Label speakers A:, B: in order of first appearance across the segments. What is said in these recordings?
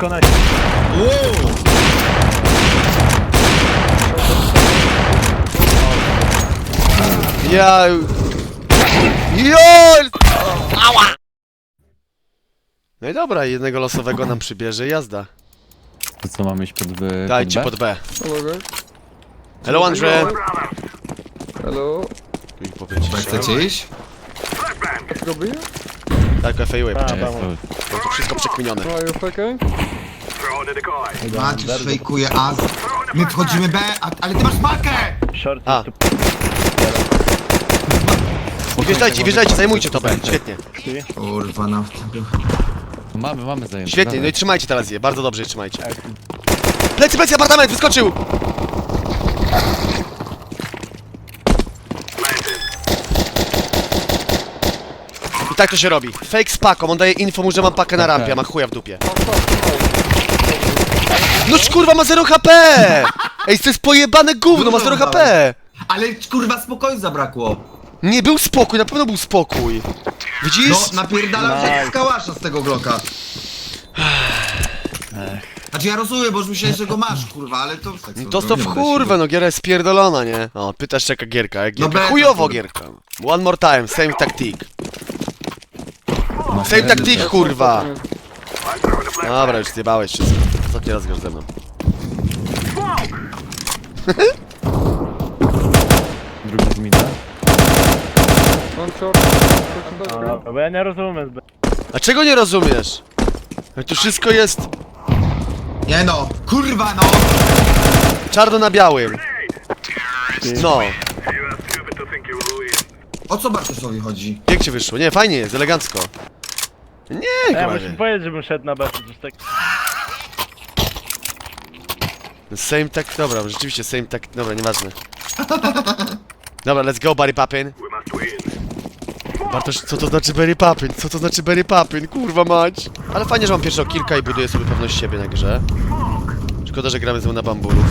A: Tylko na...
B: Wow!
C: Ja... JOL! Ała! No i dobra, jednego losowego nam przybierze, jazda.
D: To co, mamy iść pod B?
C: Dajcie pod B.
E: Hello,
C: Hello, Andrzej.
E: Hello.
C: Tu ich powiedzieć.
B: Chcecie iść?
E: Let's go B.
C: Tak, FAUA, poczekaj.
D: Jest,
C: Bo to wszystko przekminione.
E: Are you faking?
B: Maciuś fejkuje as. My wchodzimy B, ale ty masz pakę!
A: Short
C: A.
A: tu...
C: Wjeżdżajcie, wjeżdżajcie, zajmujcie to B. Świetnie.
B: Kurwa, na tego.
D: mamy zajęcie.
C: Świetnie, no i trzymajcie teraz je, bardzo dobrze je trzymajcie. Plecy, plecy, apartament, wyskoczył! I tak to się robi. Fake z paką, on daje info mu, że mam pakę na rampie, a ma chuja w dupie. No kurwa, ma 0 HP! Ej, to jest pojebane gówno, ma 0 HP!
B: Ale kurwa spokoju zabrakło.
C: Nie był spokój, na pewno był spokój. Widzisz?
B: No, napierdalam się z kałasza z tego Glocka. Znaczy ja rozumiem, bo już myślałem, że go masz, kurwa, ale to...
C: Dostał w kurwę, no giera jest spierdolona, nie? O, pytasz jaka gierka, jak gierka.
B: beta,
C: Chujowo
B: kurwa.
C: gierka. One more time, same tactic. Same tactic, kurwa. Dobra, już zjebałeś wszystko. Ostatni raz grasz ze mną.
D: Drugi z mida.
E: One short.
A: A, bo ja nie rozumiem zbyt.
C: A czego nie rozumiesz? Tu wszystko jest
B: Nie no, kurwa no!
C: czarno na białym. No,
B: O co Bartoszowi chodzi?
C: jak ci wyszło? Nie, fajnie jest, elegancko. Nie,
A: Ja
C: kurwa.
A: muszę powiedzieć, żebym szedł na B, coś tak...
C: Same tak, dobra, rzeczywiście same tak, dobra, nieważne. Dobra, let's go, Barry Papin. Bartosz, co to znaczy Barry Papin? Co to znaczy Barry Papin? Kurwa mać. Ale fajnie, że mam pierwszego kilka i buduję sobie pewność siebie na grze. Szkoda, że gramy znowu na bamburów.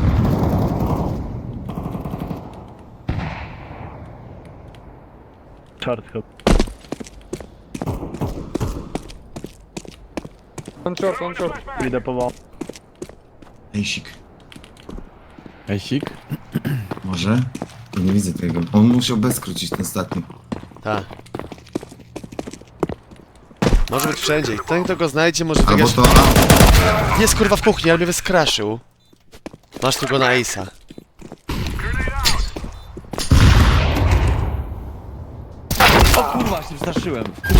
A: Short hop.
E: One short, one short.
A: Idę po...
B: Ejsik.
D: Ejsik?
B: Może? To nie widzę tego. On musiał bez skrócić ten ostatni.
C: Tak. Może być wszędzie. I ten, kto go znajdzie, może
B: Albo
C: wygrać.
B: to...
C: Jest kurwa w kuchni, ale mnie wyskraszył. Masz tu go na Ace'a.
D: O kurwa, się wstraszyłem.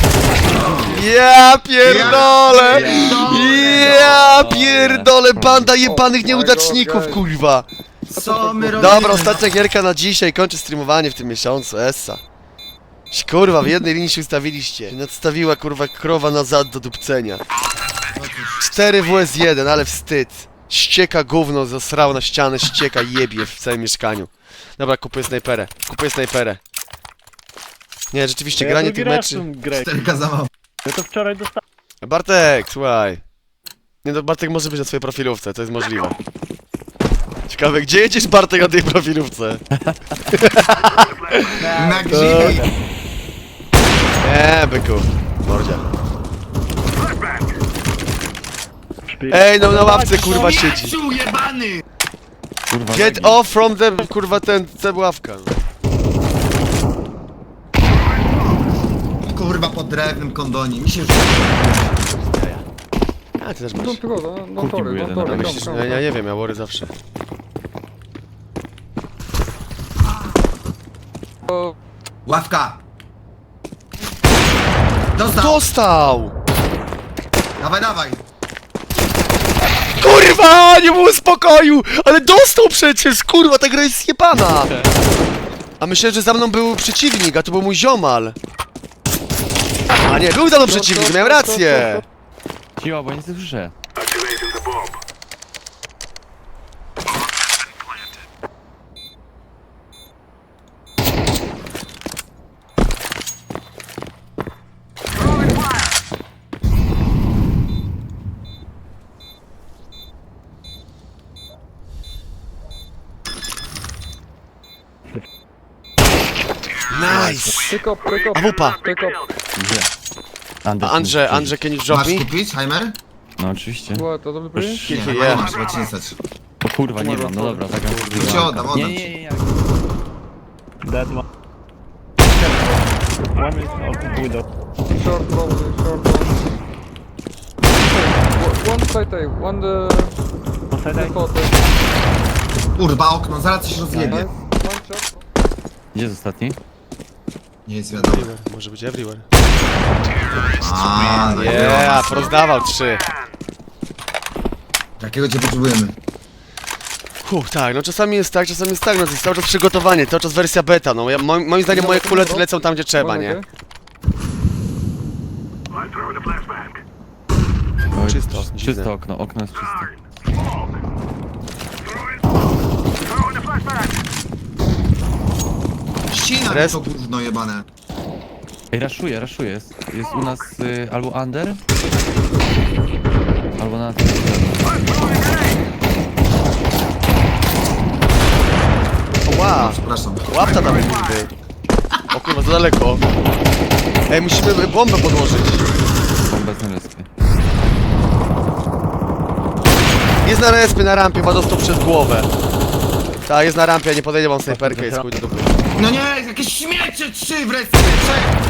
C: Ja pierdolę! Ja pierdolę! Banda jebanych nieudaczników, kurwa!
B: Co my robimy?
C: Dobra, ostatnia gierka na dzisiaj. Kończę streamowanie w tym miesiącu, essa. Kurwa, w jednej linii się ustawiliście. Nadstawiła kurwa krowa nazad do dupcenia. 4 WS1, ale wstyd. Ścieka gówno, zasrał na ścianę, ścieka jebie w całym mieszkaniu. Dobra, kupuję snajperę. Kupuję snajperę. Nie, rzeczywiście, granie tych meczy...
A: Grę.
B: Terka za mało.
A: Ja to wczoraj dostałem.
C: Bartek, słuchaj. Nie no, Bartek może być na swojej profilówce, to jest możliwe. Ciekawe, gdzie jedziesz, Bartek, na tej profilówce?
B: Na grzybi!
C: Nie, byku. Mordzia. Ej, no na ławce kurwa siedzi.
B: Mieczu jebany!
D: Kurwa,
C: Get off from the, kurwa, ta ławka.
B: Kurwa po drewnym kondonie, mi się już...
C: A, ty też masz.
E: Don't go, don't
D: Kuki był
E: worry,
D: jeden,
E: don't
D: ale
E: worry.
C: Myślisz,
E: Come,
C: ja nie wiem, ja wory zawsze.
E: come.
B: Ławka! Dostał!
C: Dostał!
B: Dawaj, dawaj!
C: Kurwa, nie było spokoju! Ale dostał przecież, kurwa, ta gra jest zjebana! A myślę, że za mną był przeciwnik, a to był mój ziomal. A nie, był za mną przeciwnik, miałem rację!
D: Cicho, bo nic nie słyszę.
C: Nice!
E: Pick up, pick up.
C: A wupa!
E: Pick up.
D: Gdzie?
C: A Andrzej, can you drop
B: Masz
C: me?
B: kupić, Heimer?
D: No oczywiście.
E: Była to dobry play?
D: Już-
B: Nie,
C: Yeah.
B: chyba nie masz, chyba ci nie stać.
D: O kurwa, nie mam, no dobra, zagram.
B: To ci oddam, oddam
D: Nie,
B: ci.
D: nie, nie,
A: Dead one. One is open window.
E: Short probably, short one. One side A, one
A: One side
E: the
A: A.
E: photo.
B: Kurwa, okno, zaraz coś rozjebie.
E: Nice. One shot.
D: Gdzie jest ostatni?
B: Nie jest wiadomo.
C: Everywhere, może być everywhere.
B: A, no
C: Yeah, rozdawał 3.
B: Jakiego cię potrzebujemy?
C: Tak, no czasami jest tak, no to jest cały czas przygotowanie, cały czas wersja beta, no ja, moim zdaniem moje kulety lecą tam, gdzie trzeba,
E: One
C: nie?
E: again.
D: Oj,
C: Czysto, dziwne.
D: Czysto okno, okno jest czyste.
B: Ścina mi
C: Rest.
B: to gówno jebane.
D: Ej, raszuję, jest u nas albo under, albo na...
C: Wow,
B: Przepraszam.
C: łapta tam jest nigdy. O kurwa, za daleko. Ej, musimy bombę podłożyć.
D: Bomba z naleskie.
C: Jest na respie, na rampie, ma dostał przez głowę. Tak, jest na rampie, ja nie podejdę, mam snajperkę, jest chuj do dupy.
B: No nie, jakieś śmiecie 3 wreszcie, 3!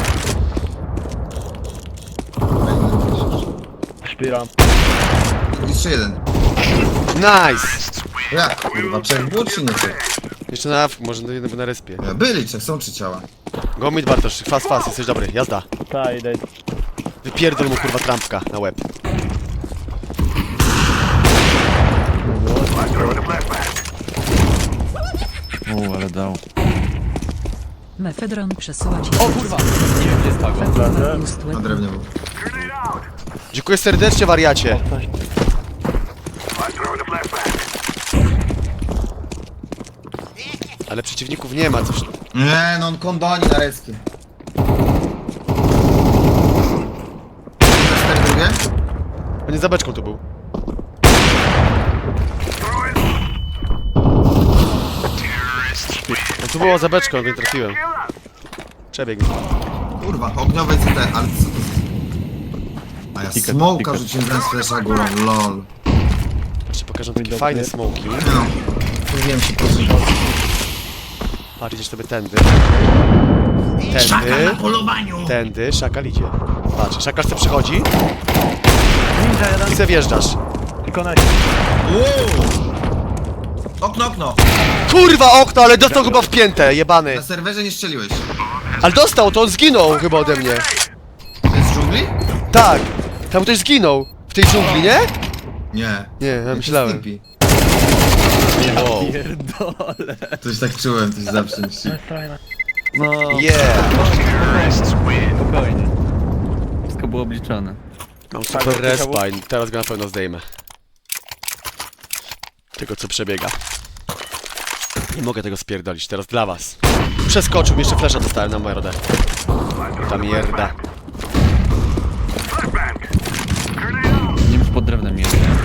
A: Śpiram.
B: Jeszcze jeden.
C: Nice!
B: Jak kurwa, 3 było czy nie 3?
C: Jeszcze na awku, może na respie.
B: Byli 3, są 3 ciała.
C: Go mid Bartosz, fast, jesteś dobry, jazda.
A: Ta, idę.
C: Wypierdol mu kurwa trampka na łeb.
D: Ale dał.
F: Mefedron przesyła ci...
D: O kurwa! Nie wiem, gdzie jest Pago.
B: Na drewnie był.
C: Dziękuję serdecznie, wariacie. Ale przeciwników nie ma, coś.
B: Nie, no on kondoni na respie. Na 4 drugie?
C: On nie za beczką tu był. On tu było za beczką, nie trafiłem. Przebieg mi.
B: Kurwa, ogniowe CT, ale co to jest? A ja
D: Ticket,
B: smoka
D: ticket.
B: rzuciłem zamiast flasha górą, lol.
C: Ci pokażę takie fajne smoki.
B: No, mówiłem się po co.
C: Patrz, idziesz sobie tędy.
B: Szakal na
C: Tędy.
B: polowaniu!
C: Tędy, szakal idzie. Patrz, szakal se przychodzi
A: Ninja jeden.
C: i se wjeżdżasz.
A: Tylko na...
B: Wow! Okno, okno!
C: Kurwa okno, ale dostał chyba w piętę, jebany.
B: Na serwerze nie strzeliłeś.
C: Ale dostał, to on zginął chyba ode mnie.
B: To jest z dżungli?
C: Tak, tam ktoś zginął. W tej dżungli, nie?
B: Nie.
C: Nie, ja myślałem.
B: Snippy.
C: Wow.
D: Pierdolę.
B: Coś tak czułem, coś zawsze myśli.
A: Fajna.
D: No,
C: Yeah.
D: spokojnie. Wszystko było obliczone.
C: Mam super respa i teraz go na pewno zdejmę. Tego co przebiega. Nie mogę tego spierdolić, teraz dla was. Przeskoczył mi, jeszcze flesza dostałem na mordę. Ta mierda.
D: Nie wiem, pod drewnem jest, nie?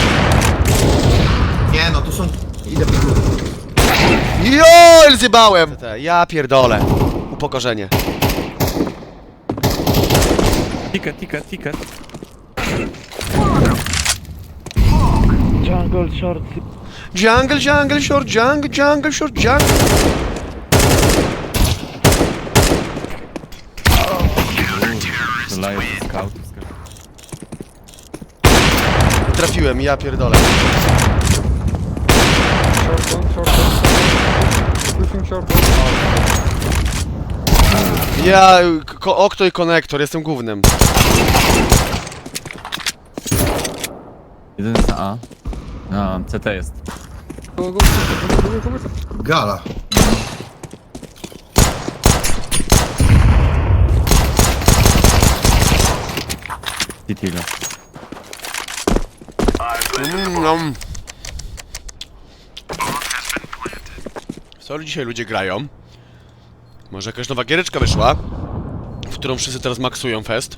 B: Nie no, tu są... Idę po górę.
C: JOL, zjebałem! Ja pierdolę. Upokorzenie.
D: Ticket.
A: Jungle short.
C: Jungle, short, jungle, short, jungle.
D: Strzelają ze scoutów.
C: Trafiłem, ja pierdolę.
E: Short one, short one. Pushing short one.
C: Ja, okno i konektor, jestem głównym.
D: Jeden jest na A. A, CT jest.
E: Go.
B: Gala.
D: Titila.
C: Co dzisiaj ludzie grają? Może jakaś nowa giereczka wyszła? W którą wszyscy teraz maksują fest?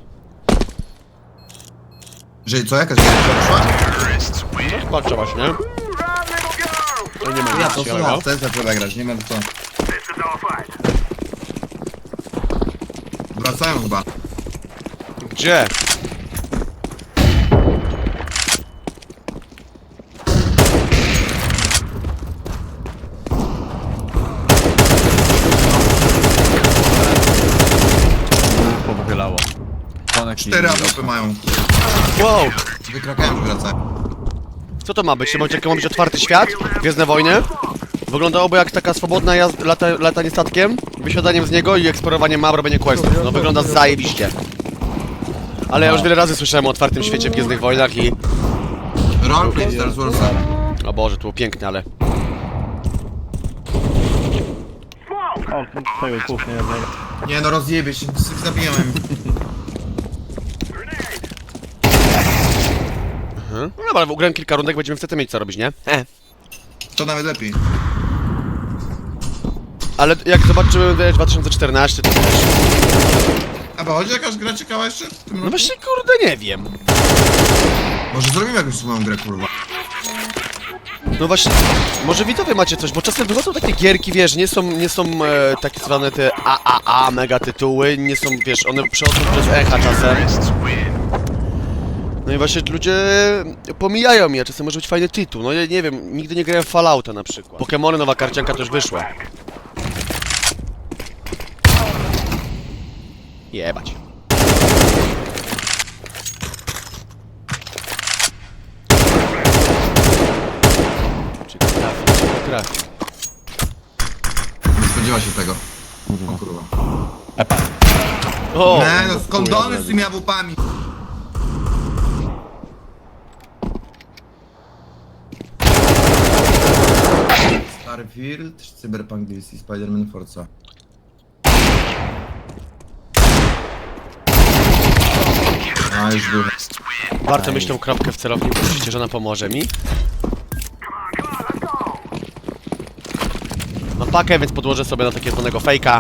B: Że co, jakaś gierka wyszła?
C: Patrzę właśnie. To nie ma
B: Ja
C: nic
B: to
C: ciekawego.
B: słucham, chcę zacząłem grać, nie wiem co. Wracają chyba.
C: Gdzie?
D: Balonek
B: 4 AWP mają.
C: Wow!
B: Wykrakają, wracają.
C: Co to ma być? To ma być otwarty świat? Gwiezdne wojny? Wyglądałoby jak taka swobodna latanie statkiem, wysiadaniem z niego i eksplorowaniem map, robienie questów. No wygląda zajebiście. Ale ja już wiele razy słyszałem o otwartym świecie w Gwiezdnych Wojnach i...
B: Roleplay Star Warsa.
C: O Boże, to było piękne, ale...
A: O, tego kuchnia jednego.
B: Nie no, rozjebie się, zabijałem.
C: No dobra, ugrałem kilka rundek, będziemy wtedy mieć co robić, nie?
B: To nawet lepiej.
C: Ale jak zobaczymy 2014, to też...
B: A bo chodzi jakaś gra ciekawa jeszcze? w tym
C: No
B: roku?
C: właśnie, kurde, nie wiem.
B: Może zrobimy jakąś swoją grę, kurwa.
C: No właśnie, może widzowie macie coś, bo czasem wychodzą takie gierki, wiesz, nie są takie zwane te AAA mega tytuły, nie są, wiesz, one przechodzą przez echa czasem. No i właśnie ludzie pomijają je, czasem może być fajny tytuł, no ja nie wiem, nigdy nie grałem w Fallouta na przykład. Pokemony, nowa karcianka też wyszła. Jebać. Czy trafi?
B: Nie spodziewa się tego. O kurwa.
D: Epa.
C: O!
B: Nie no, skondony z tymi AWP-ami. Starfield, Cyberpunk DC, Spider-Man Forza. A, już był.
C: Warto mieć tą kropkę w celowniku, myślicie, że ona pomoże mi? Mam pakę, więc podłożę sobie na takie zwanego fejka.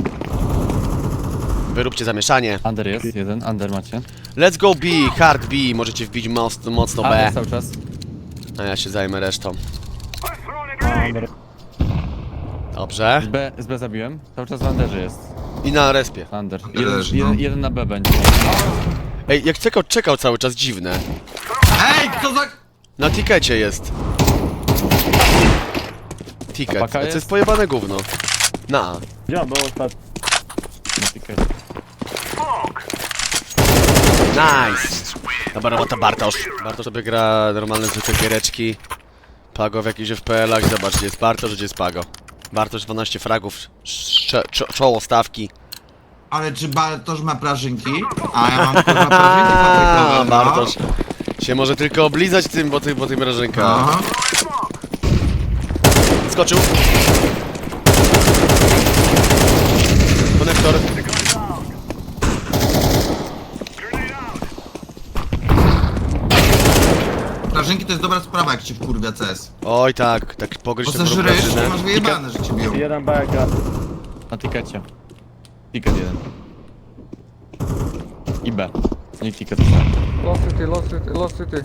C: Wyróbcie zamieszanie.
D: Under jest, jeden, under macie.
C: Let's go B, hard B, możecie wbić mocno
D: A,
C: B.
D: jest cały czas.
C: A ja się zajmę resztą.
A: Under.
C: Dobrze.
D: Z B zabiłem. Cały czas w underze jest.
C: I na respie.
D: Under.
B: Leży, no.
D: Jeden na B będzie.
C: Ej, jak czekał cały czas, dziwne.
B: Ej, co za...
C: Na tikecie jest. Ticket,
D: Paka
C: to jest
D: jest?
C: pojebane gówno. Na.
A: Gdzie on był ostatnio?
D: Na tikecie.
C: Nice! Dobra robota Bartosz. Bartosz sobie gra normalne zwykłe giereczki. Pago w jakichś FPL-ach. Zobacz, gdzie jest Bartosz, gdzie jest Pago. Bartosz 12 fragów, czoło stawki.
B: Ale czy Bartosz ma prażynki? A ja mam kurwa prażynki paprykowe, no.
C: Bartosz się może tylko oblizać tym, bo tym rażynka.
B: Aha.
C: Skoczył. Konektor.
B: Prażynki to jest dobra sprawa, jak cię wkurwia CS.
C: Oj tak pogryź
B: Bo
C: tę
B: zażryjesz i
C: brukawczynę.
B: masz wyjebane, że cię biją.
A: Jeden beka.
D: Na tikecie. Ticket jeden. I B. Nie ticket.
E: Lost city, lost city, lost city.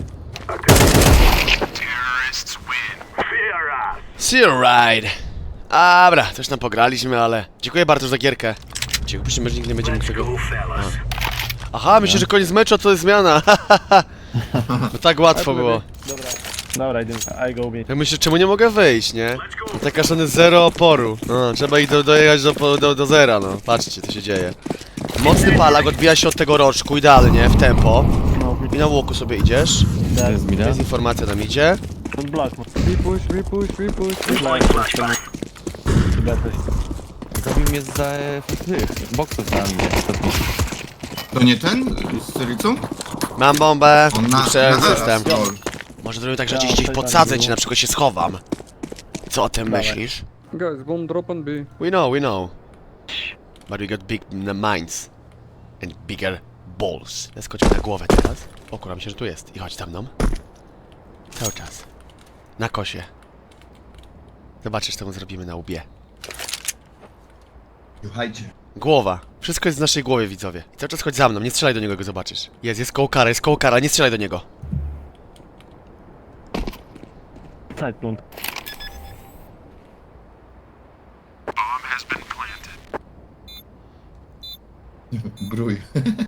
C: See you ride. Dobra, coś tam pograliśmy, ale... Dziękuję bardzo za gierkę. Dziękuję, że nikt nie będzie mógł tego... Aha, myślę, że koniec meczu, a to jest zmiana. No tak łatwo było.
A: Dobra, idziemy. I go B.
C: Ja myślę, czemu nie mogę wyjść, nie? No taka szany zero oporu. No, trzeba ich dojechać do zera, no. Patrzcie, co się dzieje. Mocny palak odbija się od tego roczku, idealnie, w tempo.
A: No,
C: I na łoku sobie idziesz.
D: To jest mida.
C: Jest informacja nam idzie.
A: ten blok.
E: We push, we push, we push.
A: Blok jest ten. Chyba coś.
D: Zabił mnie za tych boksów za mnie.
B: To nie ten? Z Syrycą?
C: Mam bombę.
B: On na...
C: Przejąłem
B: na
C: system.
B: lol.
C: Może zrobimy tak, że
A: Ja,
C: gdzieś
A: to
C: podsadzę
A: tak
C: cię, na przykład się schowam. Co o tym
A: Dawaj.
C: myślisz?
E: Guys, bomb drop on B.
C: We know. But we got big minds. And bigger balls. Skoczył na głowę teraz. O kurwa, myślę, że tu jest. I chodź za mną. Cały czas. Na kosie. Zobaczysz, co mu zrobimy na łbie.
B: Słuchajcie.
C: Głowa. Wszystko jest w naszej głowie, widzowie. I cały czas chodź za mną, nie strzelaj do niego, go zobaczysz. Jest koło kara, nie strzelaj do niego.
A: Side plant.
B: Brój.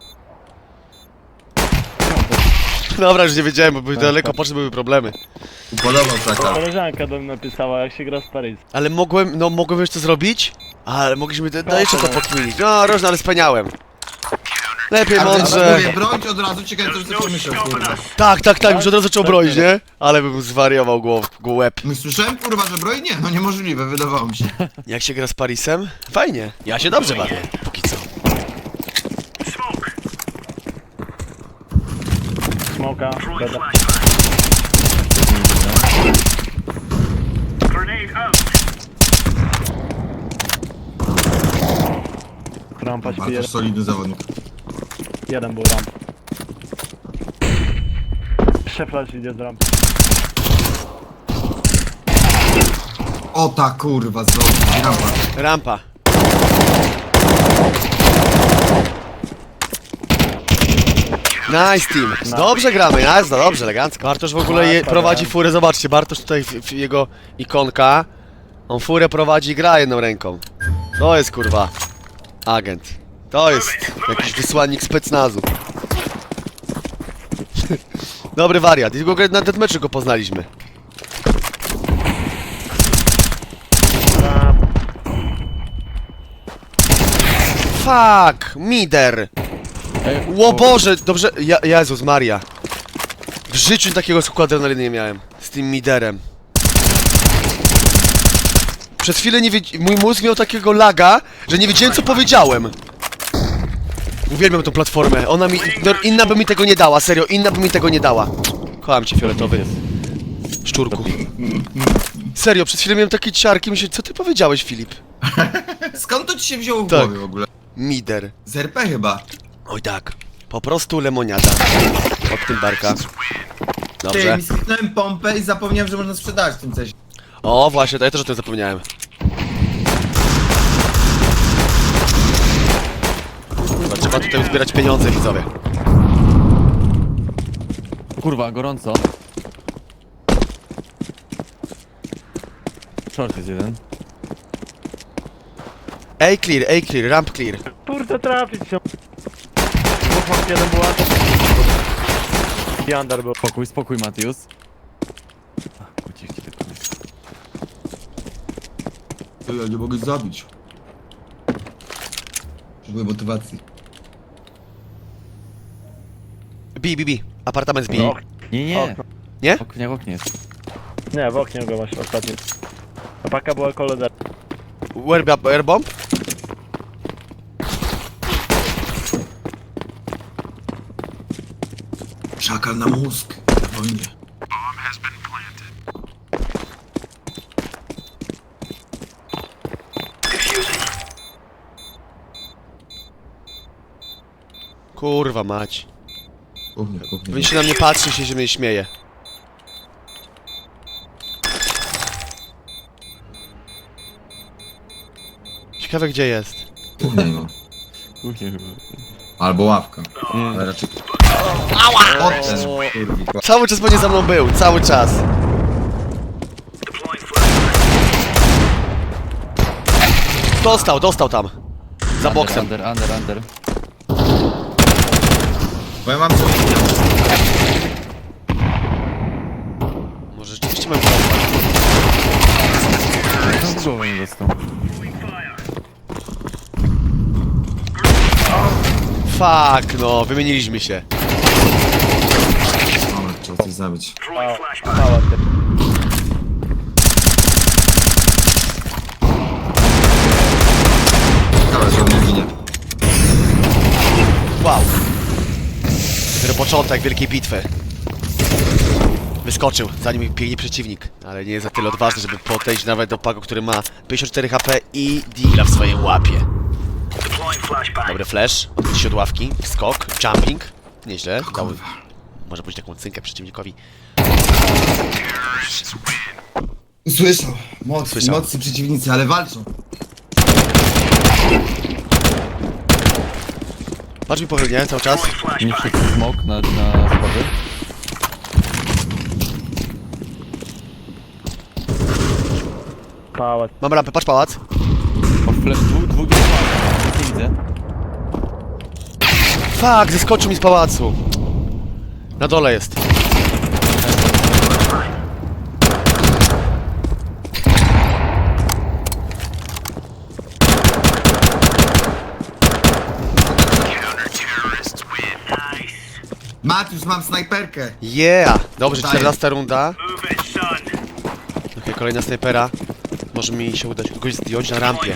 C: Dobra, już nie wiedziałem, bo by daleko poszły, były problemy.
B: Podobał taka.
A: Koleżanka do mnie napisała, jak się gra z Paris.
C: Ale mogłem już to zrobić? Ale mogliśmy jeszcze to pokminić. No, różne, ale spełniałem. Lepiej
B: Ale
C: mądrze.
B: mówię, brońcie od razu, ciekawe co sobie pomyślał, kurwa.
C: Tak, już od razu zaczął broić, nie? Ale bym zwariował łeb.
B: My słyszałem, kurwa, że broi? Nie, no niemożliwe, wydawało mi się.
C: Jak się gra z Parisem? Fajnie. Ja się dobrze bawię, póki co.
A: Smoka, beda. Rampa śpi,
B: Bardzo solidny zawodnik.
A: jeden był ramp. Przeflash idzie z rampy.
B: O ta kurwa, znowu, rampa.
C: Rampa. Nice team. Dobrze gramy, jazda, dobrze, elegancko. Bartosz w ogóle prowadzi furę, zobaczcie, Bartosz tutaj, jego ikonka. On furę prowadzi i gra jedną ręką. To jest kurwa agent. To jest jakiś wysłannik specnazu. Dobry wariat. I w ogóle na deathmatchu go poznaliśmy. Fuck, Mider. Ło Boże, dobrze, Jezus Maria. W życiu takiego skoku adrenaliny nie miałem. Z tym Miderem. Przez chwilę mój mózg miał takiego laga, że nie wiedziałem co powiedziałem. Uwielbiam tą platformę, ona mi... No, inna by mi tego nie dała, serio, inna by mi tego nie dała. Kocham cię, fioletowy. Szczurku. Serio, przez chwilę miałem takie ciarki, myślę, co ty powiedziałeś, Filip?
B: Skąd to ci się wzięło w
C: Tak.
B: głowie w ogóle?
C: Mider.
B: Z RP chyba.
C: Oj tak. Po prostu lemoniada. Od tym barka.
B: Ty,
C: Dobrze.
B: mi skliknąłem pompę i zapomniałem, że można sprzedać w tym coś.
C: O, właśnie, to ja też o tym zapomniałem. Chyba trzeba tutaj uzbierać pieniądze, widzowie.
D: Kurwa, gorąco. Short jest jeden.
C: A clear, ramp clear.
A: Kurde, trafić się. Dwóch, jeden był atak. I under był.
D: Spokój, Matius. Uciszcie tylko.
B: To ja nie mogę zabić. Potrzebuję motywacji.
C: B. Apartament z B.
A: No.
D: Nie.
A: Okno.
C: Nie?
D: W oknie jest.
A: Nie, w oknie go właśnie ostatni. A paka była koledzy.
C: Where bomb?
B: Szakal na mózg. Na wojnie.
C: Kurwa mać.
B: Kuchnia.
C: Powinien się na mnie patrzeć i się mnie śmieje. Ciekawe gdzie jest.
B: Kuchnia no.
D: Kuchnie chyba.
B: Albo ławka.
D: Nie.
B: Ale raczej... Ała! Potem, kurwi.
C: Cały czas będzie za mną był, cały czas. Dostał tam. Za boksem.
D: Under.
B: Bo ja mam coś...
C: Może rzeczywiście mam problem.
D: No w głowę nie dostał.
C: Fuck, no, wymieniliśmy się.
B: Dobra, trzeba coś zabić.
A: Mała ty.
B: Dobra, że on nie ginie.
C: Wow. Dopiero początek wielkiej bitwy. Wyskoczył, zanim biegnie przeciwnik. Ale nie jest za tyle odważny, żeby podejść nawet do Pago, który ma 54 HP i deala w swojej łapie. Dobry flash, odbić się od ławki, skok, jumping. Nieźle, dał, może pójść taką cynkę przeciwnikowi.
B: Słyszał.
C: Słyszał.
B: Mocni przeciwnicy, ale walczą.
C: Patrz mi pochylnie cały czas.
D: Nie wszedł smoke na schody.
A: Pałac.
C: Mam rampę, patrz pałac.
D: O, dwóch nie widzę.
C: Fuck, zeskoczył mi z pałacu. Na dole jest.
B: Matiusz, mam snajperkę.
C: Yeah! Dobrze,
B: Daję.
C: 14 runda. Okej, kolejna snajpera. Może mi się udać kogoś zdjąć na rampie.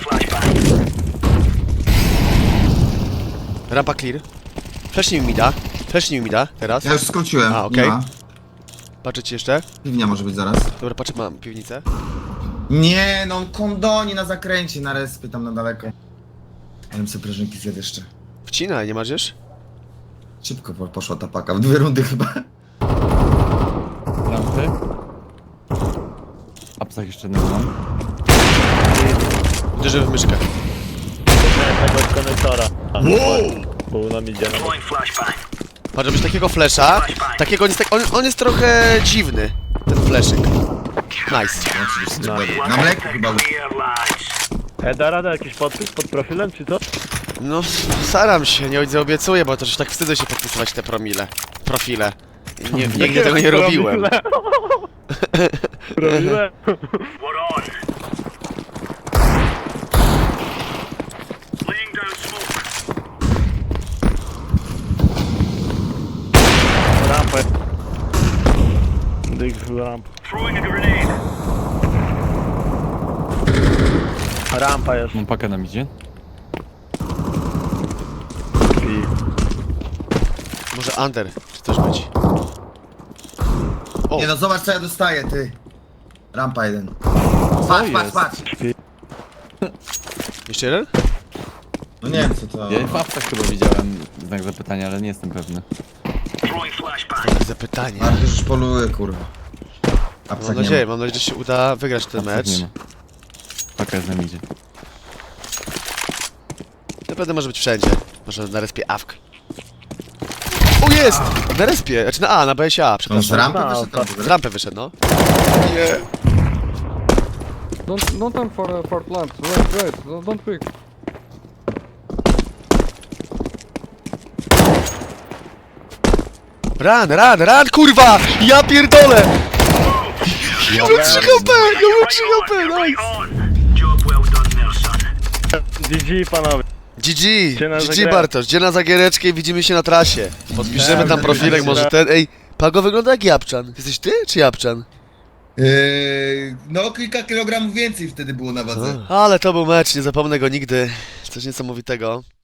C: Rampa clear. Flashnij mi da. Flashnij mi da, teraz.
B: Ja już skróciłem.
C: A, okej.
B: Nie ma.
C: Patrzę ci jeszcze.
B: Piwnia może być zaraz.
C: Dobra, patrzę, mam piwnicę.
B: Nie, no on kondoni na zakręcie, na respie tam na daleko. Ale bym sobie prażynki zjadł jeszcze.
C: Wcinaj, nie masz już?
B: Szybko poszła ta paka, w 2 rundy chyba.
D: Lampy. Apsach jeszcze nie mam.
C: Uderzę w myszkę.
A: Jednego od konektora. Był na midzie.
C: Patrz, żebyś takiego flesza. Takiego on jest, on jest trochę dziwny. Ten fleszyk. Nice.
B: Na mleku chyba.
A: Da rada jakiś podpis pod profilem, czy co?
C: No, staram się, nie ojca obiecuję, bo też tak wstydzę się podpisywać te profile. Nie, nigdy tego nie robiłem.
A: Robiłem. Rampę. Dig ramp. Rampa jest.
D: Mam pakę na midzie.
C: Może under, czy też być. O,
B: Nie no, zobacz co ja dostaję, ty. Rampa jeden. Patrz, patrz,
D: jest?
B: patrz.
C: jeszcze jeden?
B: No nie wiem co to...
D: Ja w apsach chyba widziałem znak zapytania, ale nie jestem pewny.
C: Zapytanie.
B: Marty już poluje, kurwa.
C: Mam nadzieję, że się uda wygrać ten
D: Apsach
C: mecz.
D: nie ma. Paka jest na midzie.
C: Naprawdę może być wszędzie. Może na respie AFK. O, jest! Na respie, znaczy na A, na BSA,
B: On z
C: przepraszam.
B: rampy
A: No,
B: wyszedł tam w
C: Z
B: ogóle?
C: rampy wyszedł, no. Nie.
E: Don't time for plant. Wait. Don't pick.
C: Run, kurwa! Ja pierdolę! Ja mam 3 HP, nice!
A: GG panowie. Gdzie na
C: GG
A: zagrę-
C: Bartosz, gdzie na zagiereczkę i widzimy się na trasie. Podpiszemy tam profilek, może ten, ej. Pago wygląda jak Japczan. Jesteś ty, czy Japczan?
B: No kilka kilogramów więcej wtedy było na wadze.
C: Ale to był mecz, nie zapomnę go nigdy. Coś niesamowitego.